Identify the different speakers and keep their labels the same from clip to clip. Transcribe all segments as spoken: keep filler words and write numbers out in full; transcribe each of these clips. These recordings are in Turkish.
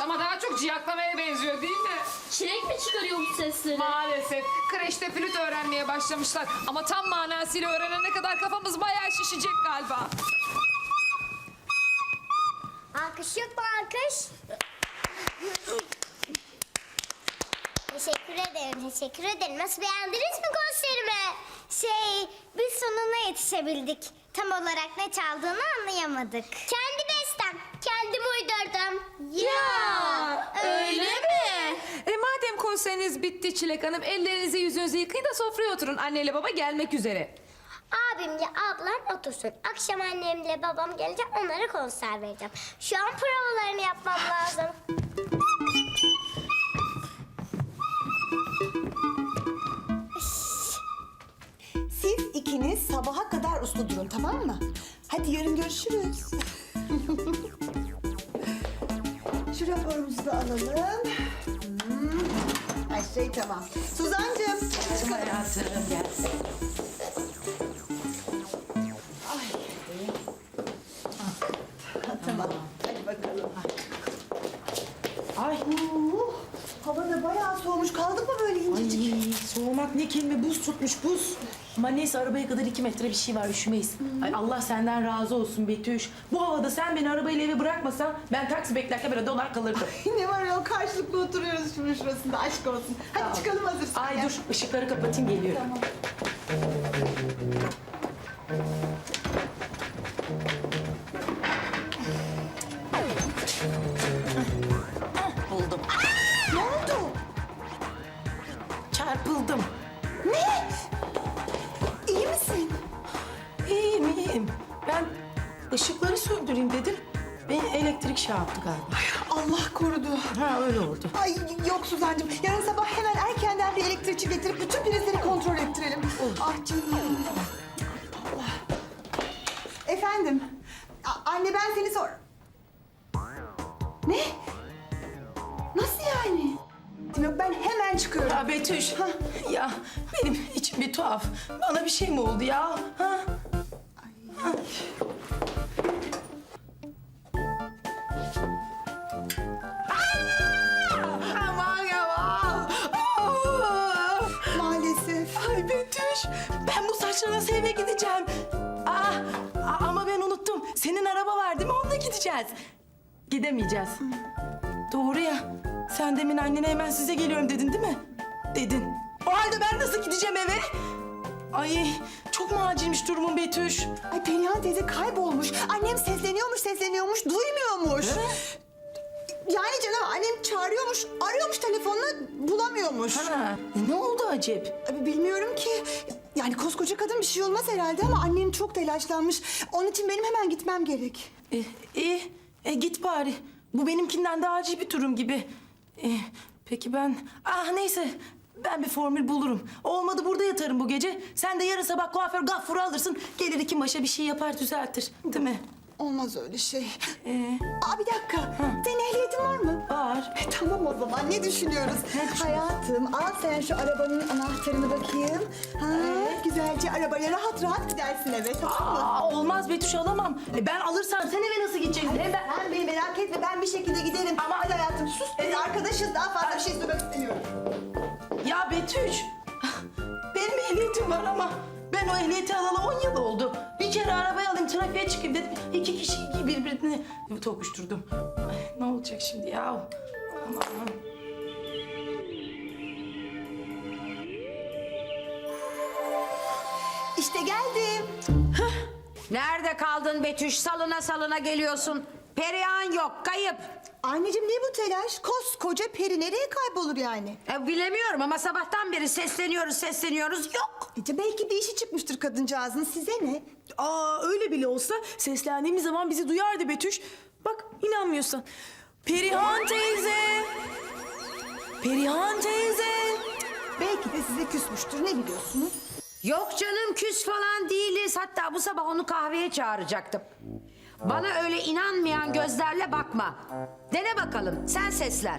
Speaker 1: ama daha çok ciyaklamaya benziyor değil mi?
Speaker 2: Çilek mi çıkarıyor bu sesleri?
Speaker 1: Maalesef kreşte flüt öğrenmeye başlamışlar. Ama tam manasıyla öğrenene kadar kafamız bayağı şişecek galiba.
Speaker 3: Alkış yok mu alkış? Teşekkür ederim, teşekkür ederim. Nasıl, beğendiniz mi konserimi? Şey, biz sonuna yetişebildik. Tam olarak ne çaldığını anlayamadık. Kendi bestem, kendim uydurdum.
Speaker 2: Ya, öyle mi?
Speaker 1: E madem konseriniz bitti Çilek Hanım, ellerinizi yüzünüzü yıkayın da sofraya oturun. Anneyle baba gelmek üzere.
Speaker 3: Abimle ablam otursun. Akşam annemle babam gelecek, onlara konser vereceğim. Şu an provalarını yapmam lazım.
Speaker 4: Siz ikiniz sabaha kadar uslu durun, tamam mı? Hadi yarın görüşürüz. Şu raporumuzu da alalım. Hmm. Her şey tamam. Suzancığım, çıkalım.
Speaker 5: Hayatım gel.
Speaker 4: Tamam, hadi bakalım.
Speaker 5: Ay,
Speaker 4: Uh, hava da bayağı soğumuş. Kaldık mı böyle incecik?
Speaker 5: ay soğumak ne kelime, buz tutmuş buz. Ama neyse arabaya kadar iki metre bir şey var, üşümeyiz. Ay Allah senden razı olsun Betüş. Bu havada sen beni arabayla eve bırakmasan ben taksi beklerken böyle donar kalırdım.
Speaker 4: Ne var ya, karşılıklı oturuyoruz şunun şurasında, aşk olsun. Hadi çıkalım hazırsan.
Speaker 5: Ay dur ışıkları kapatayım, geliyorum.
Speaker 4: Tamam.
Speaker 5: Buldum.
Speaker 4: Ne oldu?
Speaker 5: Çarpıldım.
Speaker 4: Ne? İyi misin?
Speaker 5: İyiyim iyiyim. Ben ışıkları söndüreyim dedim. Beni elektrik şey yaptı galiba.
Speaker 4: Allah korudu.
Speaker 5: Ha öyle oldu.
Speaker 4: Ay yok Suzancığım, yarın sabah hemen erkenden bir elektrikçi getirip bütün prizleri kontrol ettirelim. Ah canım. Allah. Efendim, A- anne ben seni sor... Ne? Nasıl yani? Yok, ben hemen çıkıyorum.
Speaker 5: Ya Betüş, ya benim içim bir tuhaf. Bana bir şey mi oldu ya? Ha? Aman yaman!
Speaker 4: Maalesef.
Speaker 5: Ay Betüş, ben bu saçla nasıl eve gideceğim? Aa, a- ama ben unuttum. Senin araba var değil mi? Onunla gideceğiz. Gidemeyeceğiz. Doğru ya. Sen demin annene hemen size geliyorum dedin değil mi? Dedin. O halde ben nasıl gideceğim eve? Ay çok mu acilmiş durumun Betüş?
Speaker 4: Ay Perihan teyze kaybolmuş. Annem sesleniyormuş, sesleniyormuş, duymuyormuş. Yani canım, annem çağırıyormuş, arıyormuş telefonla, bulamıyormuş.
Speaker 5: Ha, ne oldu acep?
Speaker 4: Abi bilmiyorum ki. Yani koskoca kadın, bir şey olmaz herhalde ama annem çok telaşlanmış. Onun için benim hemen gitmem gerek.
Speaker 5: E, iyi, e, git bari. Bu benimkinden daha acil bir durum gibi. E, peki ben... Ah neyse, ben bir formül bulurum. Olmadı burada yatarım bu gece. Sen de yarın sabah kuaför Gaffur'u alırsın. Gelir iki başa bir şey yapar, düzeltir. Değil mi?
Speaker 4: Olmaz öyle şey.
Speaker 5: Ee,
Speaker 4: Aa bir dakika. Senin ehliyetin var mı?
Speaker 5: var.
Speaker 4: E, tamam o zaman, ne düşünüyoruz? Hayatım, al sen şu arabanın anahtarını bakayım. Ha, güzelce arabaya rahat rahat gidersin eve, tamam mı?
Speaker 5: Aa, olmaz Betüş, alamam. E, ben alırsam sen eve nasıl gideceksin? Hem ben...
Speaker 4: Sen beni merak etme, ben bir şekilde giderim. Ama hadi hayatım sus. Biz arkadaşız, daha fazla bir şey söylemek istemiyorum.
Speaker 5: Ya Betüş, benim ehliyetim var ama ben o ehliyeti alalı on yıl oldu. Bir kere arabayı alayım, trafiğe çıkayım dedim. İki kişi birbirini tokuşturdum. Ay, ne olacak şimdi ya? Aman.
Speaker 4: İşte geldim.
Speaker 6: Nerede kaldın Betüş? Salına salına geliyorsun. Perihan yok, kayıp.
Speaker 4: Anneciğim ne bu telaş? Koskoca peri nereye kaybolur yani?
Speaker 6: E, bilemiyorum ama sabahtan beri sesleniyoruz, sesleniyoruz, yok.
Speaker 4: E, belki bir işi çıkmıştır kadıncağızın, size ne?
Speaker 7: Aa öyle bile olsa seslendiğimiz zaman bizi duyardı Betüş. Bak inanmıyorsan. Perihan teyze. Perihan teyze.
Speaker 4: Belki de size küsmüştür, ne biliyorsunuz?
Speaker 6: Yok canım, küs falan değiliz. Hatta bu sabah onu kahveye çağıracaktım. Bana öyle inanmayan gözlerle bakma. Dene bakalım, sen sesler.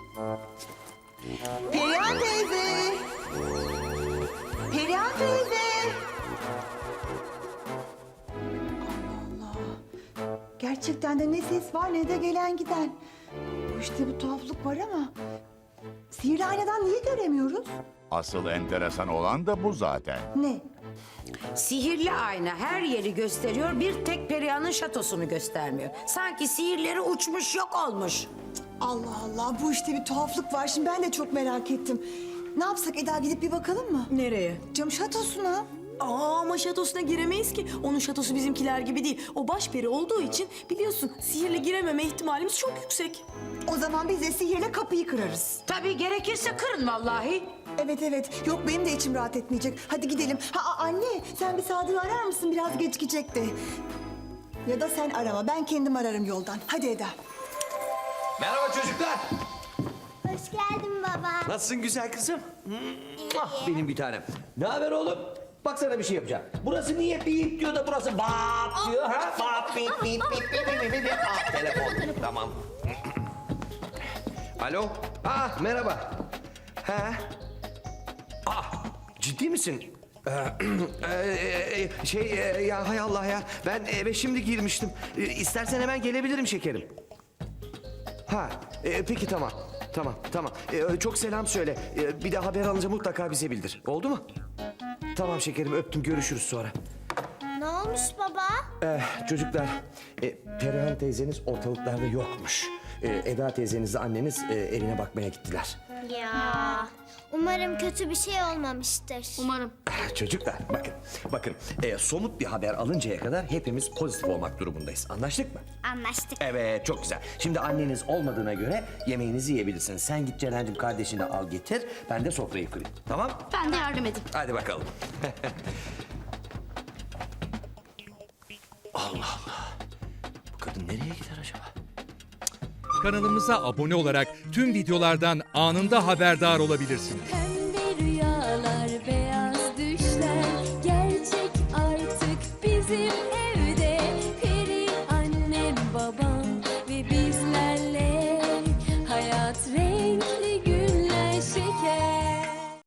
Speaker 4: Perihan teyze. Perihan teyze. Allah Allah. Gerçi Gerçekten de ne ses var ne de gelen giden. Bu işte bir tuhaflık var ama... Sihirli aynadan niye göremiyoruz?
Speaker 8: Asıl enteresan olan da bu zaten.
Speaker 4: Ne?
Speaker 6: Sihirli ayna her yeri gösteriyor, bir tek Perihan'ın şatosunu göstermiyor. Sanki sihirleri uçmuş yok olmuş.
Speaker 4: Allah Allah, bu işte bir tuhaflık var. Şimdi ben de çok merak ettim. Ne yapsak Eda, gidip bir bakalım mı?
Speaker 7: Nereye?
Speaker 4: Cam şatosuna.
Speaker 7: Aa, ama şatosuna giremeyiz ki. Onun şatosu bizimkiler gibi değil. O baş peri olduğu için biliyorsun sihirle girememe ihtimalimiz çok yüksek.
Speaker 4: O zaman biz de sihirle kapıyı kırarız.
Speaker 6: Tabii gerekirse kırın vallahi.
Speaker 4: Evet evet. Yok, benim de içim rahat etmeyecek. Hadi gidelim. Ha a- anne, sen bir Sadık'ı arar mısın? Biraz gecikecekti. Ya da sen arama. Ben kendim ararım yoldan. Hadi Eda.
Speaker 9: Merhaba çocuklar.
Speaker 3: Hoş geldin baba.
Speaker 9: Nasılsın güzel kızım? Ah, benim bir tanem. Ne haber oğlum? Bak sana bir şey yapacağım. Burası niye bip diyor da burası bap diyor ha? Bap bip bip bip bip bip bip bip. Ah, telefon. Tamam. Alo. Ah, merhaba. Ha? Ah, ciddi misin? Ee, e, şey e, ya hay Allah ya. Ben eve şimdi girmiştim. E, İstersen hemen gelebilirim şekerim. Ha, e, peki tamam. Tamam, tamam. E, çok selam söyle. E, bir de haber alınca mutlaka bize bildir. Oldu mu? Tamam şekerim, öptüm. Görüşürüz sonra.
Speaker 3: Ne olmuş baba?
Speaker 9: Eh, çocuklar, e, Perihan teyzeniz ortalıklarda yokmuş. E, Eda teyzenizle anneniz e, evine bakmaya gittiler.
Speaker 3: Ya. Umarım kötü bir şey olmamıştır.
Speaker 2: Umarım.
Speaker 9: Ah, çocuklar, bakın, bakın. E, somut bir haber alıncaya kadar hepimiz pozitif olmak durumundayız. Anlaştık mı?
Speaker 3: Anlaştık.
Speaker 9: Evet, çok güzel. Şimdi anneniz olmadığına göre yemeğinizi yiyebilirsiniz. Sen git Celal'cim kardeşini al getir. Ben de sofrayı kurayım. Tamam?
Speaker 2: Ben de yardım edeyim.
Speaker 9: Hadi bakalım. Allah Allah. Bu kadın nereye gider acaba?
Speaker 10: Kanalımıza abone olarak tüm videolardan anında haberdar olabilirsiniz.